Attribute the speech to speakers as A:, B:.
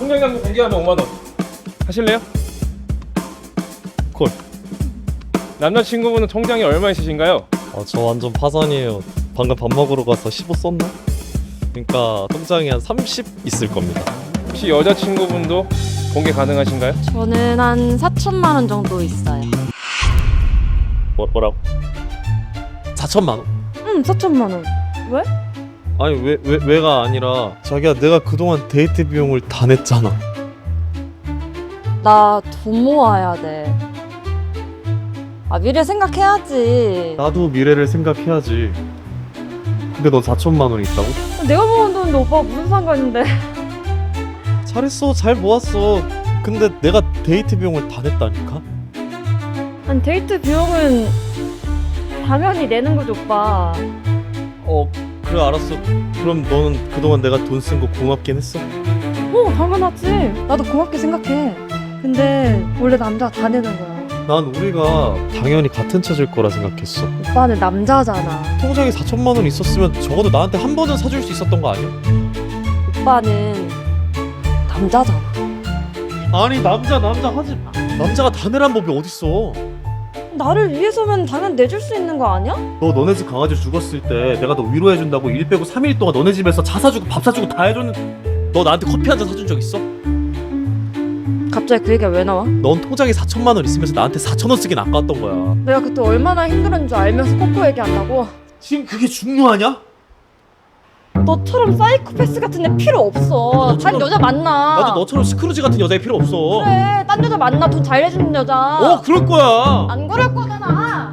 A: 통장잔고 공개하면 5만 원. 하실래요? 콜. 남자친구분은 통장이 얼마 있으신가요?
B: 저 완전 파산이에요. 방금 밥 먹으러 가서 15 썼나? 그러니까 통장이 한 30 있을 겁니다.
A: 혹시 여자친구분도 공개 가능하신가요?
C: 저는 한 4천만 원 정도 있어요.
B: 뭐라고? 4천만 원?
C: 응, 4천만 원. 왜?
B: 아니 왜가 아니라 자기야 내가 그동안 데이트 비용을 다 냈잖아.
C: 나 돈 모아야 돼. 미래 생각해야지.
B: 나도 미래를 생각해야지. 근데 너 4천만 원 있다고?
C: 내가 모은 돈인데 오빠가 무슨 상관인데?
B: 잘했어, 잘 모았어. 근데 내가 데이트 비용을 다 냈다니까?
C: 아니 데이트 비용은 당연히 내는 거지 오빠.
B: 그래 알았어. 그럼 너는 그동안 내가 돈 쓴 거 고맙긴 했어?
C: 당연하지. 나도 고맙게 생각해. 근데 원래 남자가 다 내는 거야.
B: 난 우리가 당연히 같은 차질 거라 생각했어.
C: 오빠는 남자잖아.
B: 통장에 4천만 원 있었으면 적어도 나한테 한 번은 사줄 수 있었던 거 아니야?
C: 오빠는 남자잖아.
B: 아니 남자 하지. 남자가 다 내란 법이 어딨어.
C: 나를 위해서면 당연 내줄 수 있는 거 아니야?
B: 너 너네 집 강아지 죽었을 때 내가 너 위로해준다고 일 빼고 3일 동안 너네 집에서 차 사주고 밥 사주고 다 해줬는데 너 나한테 커피 한 잔 사준 적 있어?
C: 갑자기 그 얘기가 왜 나와?
B: 넌 통장에 4천만 원 있으면서 나한테 4천 원 쓰긴 아까웠던 거야.
C: 내가 그때 얼마나 힘들은 줄 알면서 코코 얘기한다고?
B: 지금 그게 중요하냐?
C: 너처럼 사이코패스 같은 애 필요 없어. 단 여자 만나.
B: 나도 너처럼 스크루지 같은 여자애 필요 없어.
C: 그래, 딴 여자 만나. 돈 잘 내주는 여자.
B: 그럴 거야.
C: 안 그럴 거잖아.